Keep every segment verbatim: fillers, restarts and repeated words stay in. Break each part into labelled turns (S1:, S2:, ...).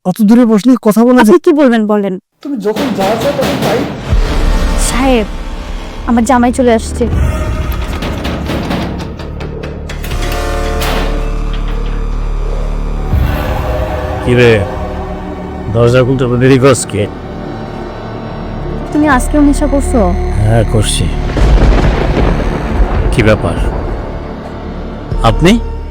S1: অত দূরে বসলে কথা বলা
S2: আপনি কি বলবেন বলেন।
S1: তুমি যখন যা চাও তখন তাই।
S2: সাহেব, আমার জামাই চলে আসছে।
S3: কিরে দরজা খুলতে দেরি করছ কে?
S2: তুমি আজকেও নেশা করছো?
S3: হ্যাঁ করছি। কি ব্যাপার? আপনি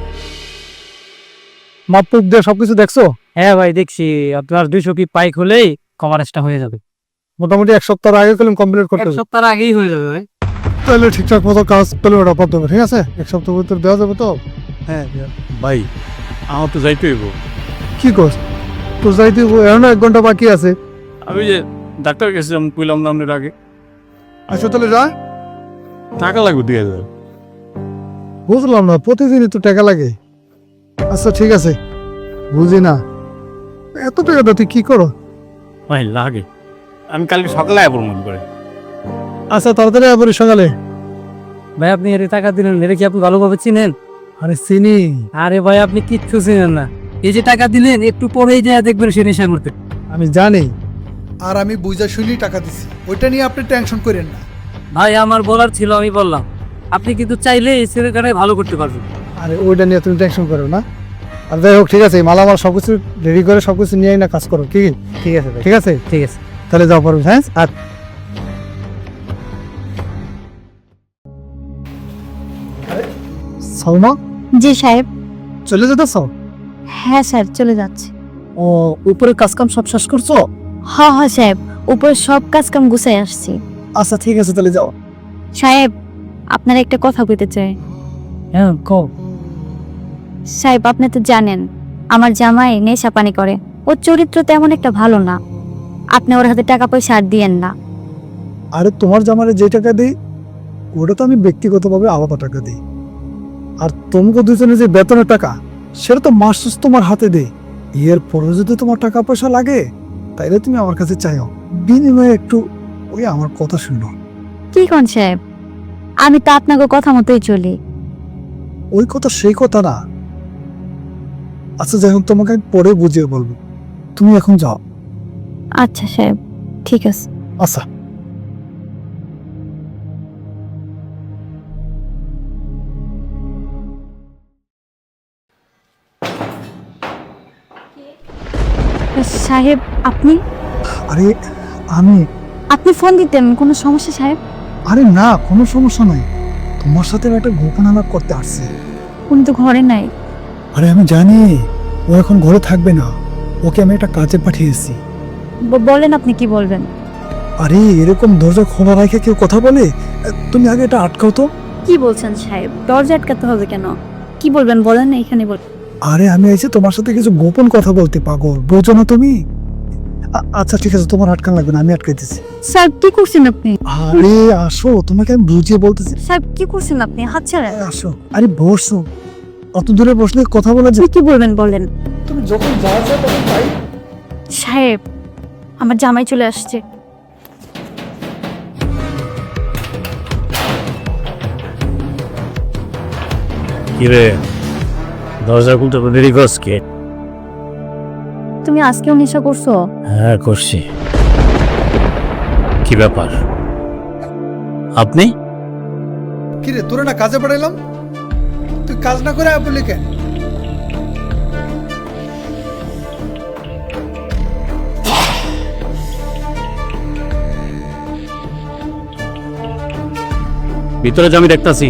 S1: মাপুক দিয়ে সবকিছু দেখছো?
S4: হ্যাঁ ভাই দেখছি, আপনার দুইশো কি পাইক হলেই কভারেজটা হয়ে যাবে।
S1: মোটামুটি এক সপ্তাহ আগে কলম কমপ্লিট করতে
S4: এক
S1: হবে।
S4: সপ্তাহ আগেই হয়ে যাবে ভাই।
S1: তাহলে ঠিকঠাক মতো কাজ পেলে ওটা পারতে হবে, ঠিক আছে? এক সপ্তাহ ভিতরে দেওয়া যাবে তো?
S4: হ্যাঁ
S3: ভাই আমার তো যাইতে হইব।
S1: কি কর তো যাইতে এখনো এক ঘন্টা বাকি আছে।
S3: আমি যে ডাক্তার গেছিলাম কইলাম না আপনার আগে।
S1: আচ্ছা তাহলে যা।
S3: টাকা লাগবে দুই হাজার।
S1: বুঝলাম না, প্রতিদিনই তো টাকা লাগে। আচ্ছা ঠিক আছে, বুঝি না এত টাকা দাও তুই কি করো?
S3: ভাই লাগে, আমি কালকে সকালে আবার মনে করে।
S1: আচ্ছা তাড়াতাড়ি আবার সকালে।
S4: ভাই আপনি এর টাকা দিলেন, এটা কি আপনি ভালোভাবে চিনেন?
S1: আরে চিনি।
S4: আরে ভাই আপনি কিচ্ছু চিনেন না। এই যে টাকা দিলেন একটু পরেই যায় দেখবেন সে নেশা করতে।
S1: আমি জানি।
S5: আর আমি বুঝা শুনেই টাকা দিছি, ওইটা নিয়ে আপনি টেনশন করেন না।
S4: ভাই আমার বলার ছিল, আমি বললাম। আপনি কিন্তু চাইলে এই ছেলেটাকে ভালো করতে পারবেন।
S1: আরে ওইটা নিয়ে তুমি টেনশন করো না। আর যাই হোক ঠিক আছে, মালামাল সবকিছু রেডি করে সবকিছু নিয়ে না কাজ করো, কি?
S4: ঠিক আছে ভাই,
S1: ঠিক আছে
S4: ঠিক আছে।
S1: তাহলে যাও পারবে। হ্যাঁ আর সালমা
S2: জি সাহেব।
S1: চলে যেতেছ?
S2: হ্যাঁ সাহেব, চলে যাচ্ছে।
S1: ও উপরে কাজকাম সব শেষ করছো?
S2: হ্যাঁ হ্যাঁ সাহেব, উপরে সব কাজ কাম গুছাই আসছি।
S1: আচ্ছা ঠিক আছে তাহলে যাও।
S2: সাহেব, আপনার একটা কথা বলতে চাই।
S4: হ্যাঁ কও।
S2: সাহেব আপনি তো জানেন আমার জামাই নেশা পানি করে, ওর চরিত্র তেমন একটা ভালো না। আপনি ওর হাতে টাকা পয়সা আর দিয়েন না।
S1: আরে তোমার জামারে যে টাকা দিই ওটা তো আমি ব্যক্তিগতভাবে আলাদা টাকা দিই, আর তোমাকে দুজনে যে বেতনের টাকা সেটা তো মাস শেষ তোমার হাতে দেই। এর পরে যদি তোমার টাকা পয়সা লাগে তাইলে তুমি আমার কাছে চাইও, বিনিময়ে একটু ওই আমার কথা শুনো।
S2: কি কোন সাহেব, আমি তো আপনাকে কথা মতোই চলি।
S1: ওই কথা সেই কথা না। আচ্ছা যাই হোক, তোমাকে আমি পরে বুঝিয়ে বলবো, তুমি এখন যাও।
S2: আচ্ছা সাহেব, ঠিক আছে।
S1: আচ্ছা
S2: সাহেব আপনি
S1: আরে আমি
S2: আপনি ফোন দিতেন, কোনো সমস্যা সাহেব?
S1: আরে না কোনো সমস্যা নাই, তোমার সাথে আমি একটা গোপন আলাপ করতে আসছি।
S2: উনি তো ঘরে নাই।
S1: আরে আমি জানি ও এখন ঘরে থাকবে না, ওকে আমি একটা কাজে পাঠিয়েছি।
S2: ব- বলেন আপনি কি বলবেন?
S1: আরে এরকম দরজা খোলা রেখে কেউ কথা বলে? তুমি আগে এটা আটকাও তো।
S2: কি বলছেন সাহেব, দরজা আটকাতে হবে কেন? কি বলবেন বলেন না, এখানে বল।
S1: আরে আমি এসে তোমার সাথে কিছু গোপন কথা বলতে, পাগল বোঝো না তুমি? আ- আচ্ছা ঠিক আছে, তোমার আটকান লাগবে না, আমি আটকাইতেছি।
S2: সাহেব কি করছেন আপনি?
S1: আরে আসো, তোমাকে আমি বুঝিয়ে বলতেছি।
S2: সাহেব কি করছেন আপনি? হাত ছাড়েন।
S1: আসো, আরে বসো, অত দূরে বসলে কথা বলা যায়।
S2: আপনি কি বলবেন বলেন।
S1: তুমি যখন যা চাও তখন তাই।
S2: সাহেব, আমার জামাই চলে আসছে।
S3: কিরে দরজা খুলতে দেরি করছ কে?
S2: তুমি আজকেও নেশা করছো?
S3: হ্যাঁ করছি। কি ব্যাপার? আপনি
S5: কিরে তোরা না কাজে পাঠাইলাম, তুই কাজ না করে বললি কেন?
S3: ভিতরে যে আমি দেখতাছি।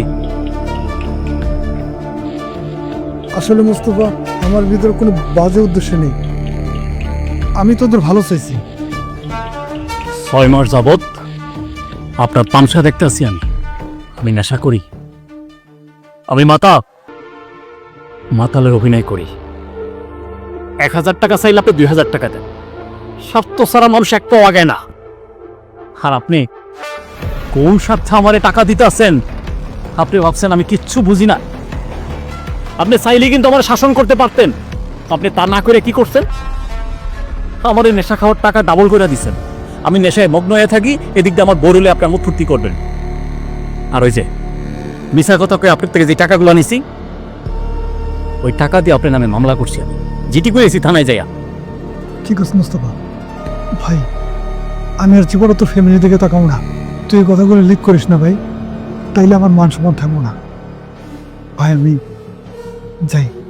S1: আসলে মুস্তফা, আমার ভিতরে কোনো বাজে উদ্দেশ্য নেই, আমি তোদের ভালো চাইছি।
S3: ছয় মাস যাবৎ আপনার তামসা দেখতেছি আমি। আমি নেশা করি, আমি মাতা মাতালের অভিনয় করি। এক হাজার টাকা চাইলে আপনি দুই হাজার টাকা দেন। স্বার্থ ছাড়া মানুষ এক পাও আগে না। আর আপনি কোন স্বার্থে আমারে টাকা দিতে আছেন? আপনি ভাবছেন আমি কিচ্ছু বুঝি না? আপনি চাইলে কিন্তু আমার শাসন করতে পারতেন, আপনি তা না করে কি করছেন? আমার এই নেশা খাওয়ার টাকা ডাবল করে দিচ্ছেন। আমি নেশায় মগ্ন হয়ে থাকি, এদিক দিয়ে আমার বড়লে আপনি আমার ফুর্তি করবেন। আর ওই যে মিশা কথা কয়ে আপনার থেকে যে টাকাগুলো নিছি, ওই টাকা দিয়ে আপনার নামে মামলা করছি, আমি জিটি করেছি থানায় যাইয়া।
S1: ঠিক আছে মুস্তফা ভাই, আমি আর জীবনে তো ফ্যামিলি দিকে তাকাবো না। তুই এই কথাগুলো লিক করিস না ভাই, তাইলে আমার মান সম্মান থাকবো না। ভাই আমি যাই।